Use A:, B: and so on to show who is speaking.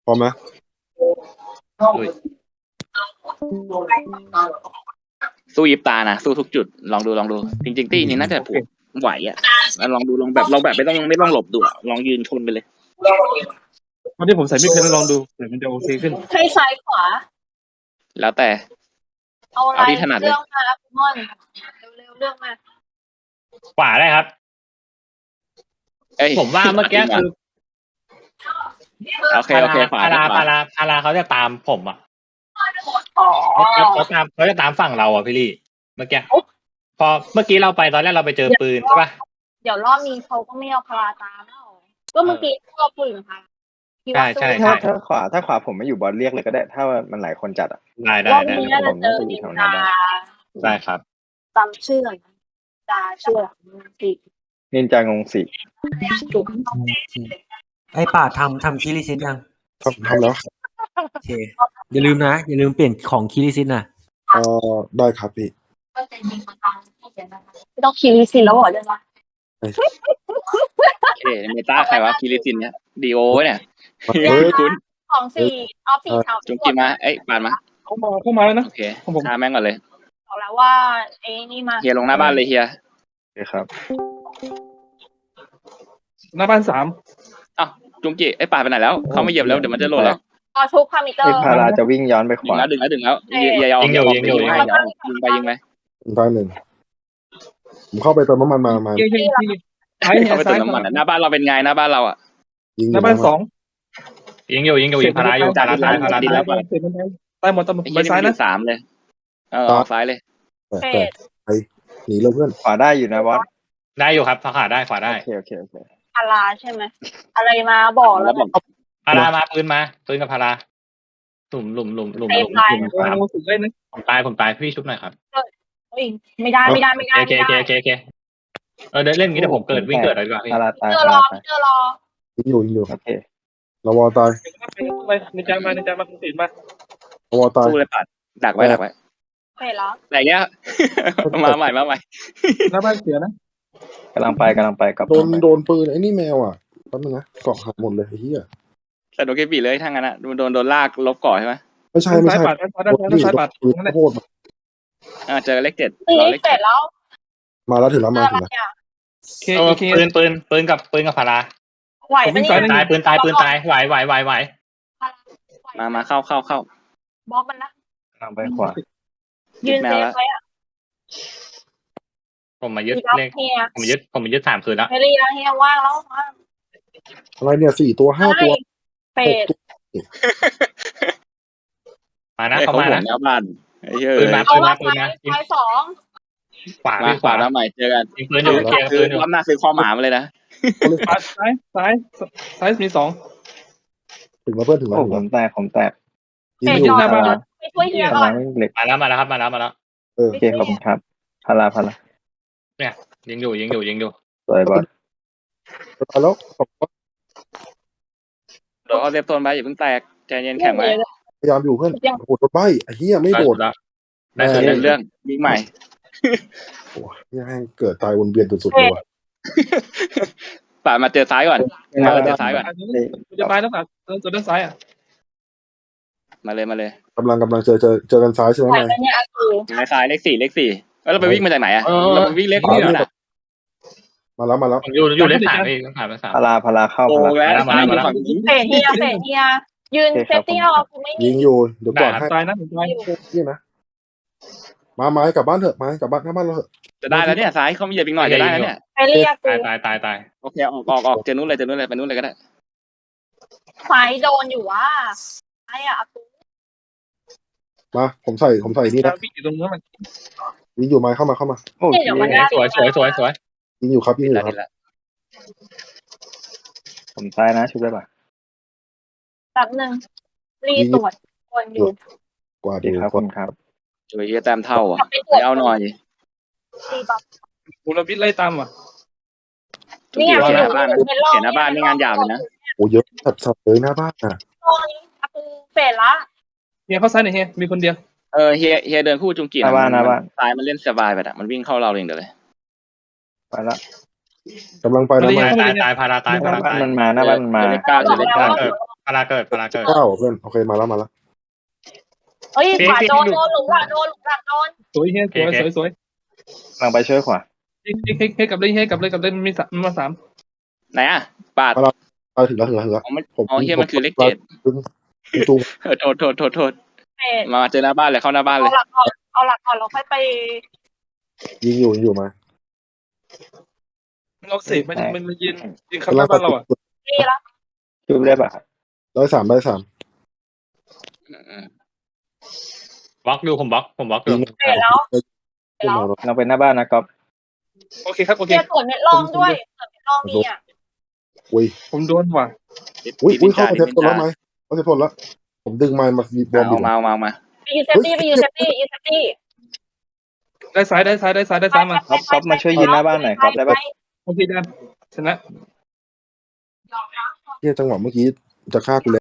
A: พร้อมไหม
B: สู้ยิบตานะสู้ทุกจุดลองดูจริงๆตี้นี้น่าจะไหวอ่ะลองดูลองแบบไม่ต้องหลบดูลองยืนชนไปเลย
C: วันที่ผมใส่ไม่เพชรลองดูเดี๋ยวมันจะโอเคขึ้น
D: ให้ซ้ายขวา
B: แล้วแต่
D: เอาอะไร
B: ที่ถนัดเลย
D: เรื่องมาครับคุณม่อนเร็วๆเรื่องมา
E: ขวาได้ครับ ผมว่าเมื่อกี้คือ
B: โอเคขวา
E: พาราเขาจะตามผมอ่ะ
D: อ๋อ
E: เขาจะตามฝั่งเราอ่ะพี่ลี่เมื่อกี้พอเมื่อกี้เราไปตอนแรกเราไปเจอปืนใช่ป่ะ
D: เดี๋ยวรอบนี้เขาก็ไม่เอาพาราตามแล้วก็เมื่อกี้เขาเอาปืนค่ะ
E: ใช่
F: ถ้าขวาผมไม่อยู่บอลเรียกเลยก็ได้ถ้ามันหลายคนจัดอ่ะ
D: รอบนี้น่าจะเจอนินจา
E: ได้ครับ
D: จำชื่อหน่อยจาชื่อสิ
F: นินจางงสี
D: จุ๊บ
G: ไอ้ป่าทำคิริซิตยัง
A: ทำแล้ว
G: โอเคอย่าลืมเปลี่ยนของคิริซิตนะ
A: ได้ครับพี่
D: ไม่ต้องคิริสิแล้วเหรอเดี๋ยวนะ
B: โอเคเมตาใครวะคิริซินเนี่ยดีโอเนี่ยคุณ
D: ของสี่ออฟฟิศ
B: จุงกิมาปานมา
C: เข้ามาแล้วนะ
B: โอเคฆ่าแม่งก่อนเลย
D: บอกแล้วว่าไอ้นี่มา
B: เฮียลงหน้าบ้านเลยเฮีย
F: โอเคครับ
C: หน้าบ้าน3
B: อ้าวจุงกิปานไปไหนแล้วเขาไม่เหยียบแล้วเดี๋ยวมันจะหล่นแล้ว
D: พอชุบพามิเตอ
F: ไอ้
D: ร์
F: พาราจะวิ่งย้อนไปข
B: ดึง
F: วา
B: แล้วอย่ายิงไปผมเข้าไปเติมน้ำมันมา
C: เย้ซ้าย
B: เข้าไปเติมน้ำมันหน้าบ้านเราเป็นไงหน้าบ้านเราอ่ะ
C: หน้าบ้าน2
E: ยิงอยู่พาราอยู่พาราตาย
C: ตายหมดไปซ้ายนะ
B: 3เลยออกซ้ายเลย
A: แต่ไปหนีเลยเพื่อน
F: ขวาได้อยู่นะบอส
E: ได้อยู่ครับขวาได้ขวาได้
F: โอเค
D: พาราใช่ไหมอะไรมาบอกแล้ว
E: พารามาปืนกับพาราหลุม
D: ไอ้พาย
C: สุดเลยนะ
E: ผมตายพี่ชุบหน่อยครับ
D: ไม่ได้
E: โอเคเดินเล่นงี้แต่ผมวิ่งเกิดอะไรดีกว่าพี่
F: พาราตาย
D: เจอรอ
A: ยิงอยู่
F: โอเค
A: ระวอตาย
C: ไปในใจมาคุณติดมา
A: ระวอตาย
B: สู้เลยปัดดักไว้
D: เสร็จแล้ว
B: แต่เงี้ยมาใหม่
C: หน้าบ้านเสียนะ
F: กำลังไปกับ
A: โดนปืนไอ้นี่แมวอ่ะแป๊บนึงนะเกาะหักหมดเลยไอ้เหี้ย
B: แต่โดนเกปีเลยทั้งนั้นนะโดนลากลบก่อใช่ไหม
A: ไม่ใช่
C: ซ้ายปัดซ้ายปัด
A: ปืนโคตร
B: เจอเลข 7
D: นี่เสร็จแล้ว
A: มาแล้วถึงแล้ว
C: โอเค
E: ปืนกับพารา
D: ไหวปะเนี่ย
E: ตายปืนตายไหว
B: มาเข้า
D: บล็อกมันนะ
F: กำลังไปขวา
D: ยืนเซฟไว้อะ
E: ผมมายึดเลข
D: เฮีย
E: ผมมายึด3คืนแล้ว
D: เฮลี่แล้วเฮียว่างแล้ว
A: อะไรเนี่ย4 ตัว 5 ตัว
D: เป็ด
E: มานะ
B: เขา
E: เข้ามานะ
B: หน้าบ้าน
E: ปืนมา
D: ซ้าย2
E: ขวา
B: ขวาแล้วใหม่เจอกัน
E: ยิงปืนอยู่เกียร์ปืนอยู่
B: ความหน้าซื้อข้อหมามาเลยนะ
C: ซ้ายมี2
A: ถึงแล้วเพื่อนถึงแล้ว
F: โอ้ผมแตก
A: ยิง
D: เป็ด
A: อยู่
D: รอไปช่วยเฮียก่อน
F: เหล็ก
E: มาแล้วครับมาแล้ว
F: โอเคขอบคุณครับพารา
E: ยิงอยู่
F: สวยบอส
A: แล้ว
B: โดนเอาเซฟโซนไปอย่าเพิ่งแตกใจเย็นแข็งไว้
A: พยายามอยู่เพื่อนโหดใบไอ้เหี้ยไม่โดด
E: ได้คืน
B: เรื่องวิ่งใหม่
A: โอ้ยให้เกิดตายวนเวียนสุดๆเลยว่ะ
B: ป่ามาเจอซ้ายก่อนเจอซ้ายก่อน
C: จะไปแล้วตัวด้านซ้ายอ่ะ
B: มาเลย
A: กำลังเจอกันซ้ายใช่ไหม
D: ไหว
A: นาย
D: ปะเนี่ยอากู
B: ในซ้ายเลข 4แล้วเราไปวิ่งมาจากไหนอ่ะเราไปวิ่งเลขนี่นะ
A: มาแล้ว
E: ผมอยู่เลข3พี่3
F: พาราเข้า
B: โอ้
F: พารา
B: แล้วมาฝั่งนี้
D: เฟดเฮียยืนเซฟตี้รอกูไม่
A: ยิงอยู่เดี๋ยวก่อนให้
C: ตายนะตาย
A: นี่นะมาไม้กลับบ้านเถอะไม้กลับบ้านหน้าบ้านเราเถอะ
B: จะได้แล้วเนี่ยซ้ายเขามีเหยียบอีกหน่อยจะได้แล้วเนี่ย
D: ไปเรียกกู
E: ตาย
B: โอเคออกเจอนู้นเลยไปนู้นเลยก็ได้
D: ไฟโดนอยู่ว่าไอ้อากู
A: มาผมใส่นี่นะ
C: วิ่งอยู่ตรงนั้นมัน
A: ยิงอยู่ไม้เข้ามา
F: โอ้
D: เดี๋ยวมัน
E: สวย
A: ยิงอยู่ครับ
F: ผมตายนะชุบได้ป่ะ
D: แบบนึงรีตรวจคนอยู่
A: กว่า
F: ดี
A: ดู
F: ครับคุณครับ
B: ช่วยแต้มเท่าอ่ะไปเอาหน่อย
D: รีบัฟ
C: บุรวิทย์ไล่ตามว่ะ
D: เนี่ย
B: เห็นหน้าบ้านนี่งานหยาบเลยนะ
A: โอ้เยอะสับเลยหน้าบ้านอ่ะ
D: อากูเฟดละ
C: เฮียเข้าซ้ายหน่อยเฮียมีคนเดียว
B: เฮียเดินคู่จุงกีซ้ายมันเล่นสบายไปอ่ะมันวิ่งเข้าเราเองเดี๋ยวเลย
F: ไปละ
A: กำลังไปแล้วมา
E: ตายพาราตาย
F: มันมาหน้าบ้านมันมา
B: เจอเลข 9
E: พาราเกิด
A: เก้าเพื่อนโอเคมาแล้ว
D: เฮ้ย
E: พี่
D: ขวา
E: พี่
D: โดน
E: พี่
D: โดนหลุมหลังโดนหลุมหลังโดน
C: สวยเฮียสวย
E: โอเค
C: สวย
F: กำลังไปช่วยขวา
C: เฮ้ยกลับเลยมีมาสาม
B: ไหนอ่ะปาด
A: ถึงแล้ว
B: อ๋อมันอ๋อเฮียมันคือเลขเจ็ด
A: จุง
B: โทษ
D: เอ็ด
B: มาเจอหน้าบ้านเลยเข้าหน้าบ้านเลย
D: เอาหลักก่อนเราค่อยไป
A: ยิงอยู่มา
C: เราเสกมันยืนข้างหน้าบ้านเราอ่ะ
D: นี่แล้ว
F: ช่วยได้ปะ
A: ได้สาม
E: บล็อกดูผมบล็อกดู
A: ยิง
D: เสร็จแล้ว
F: เราไปหน้าบ้านนะก๊อฟ
C: โอเคครับโอเค
D: เกียร์ส่วนเม็ดรองด้วยส่วนเม็ดรองมีอ่ะ
A: อุ้ย
C: ผมโดนว่ะ
A: เข้ามาเทปคนแล้วไหมเขาเทปคนแล้วผมดึงไม้มาบอมอยู่
B: มา
D: ไปยืนเซฟตี้ยืนเซฟตี้
C: ได้ซ้ายมา
F: ก๊อฟมาช่วยยืนหน้าบ้านหน่อยก๊อฟได้ปะ
C: โอเคได้ชนะ
A: เฮียจังหวะเมื่อกี้จะฆ่ากู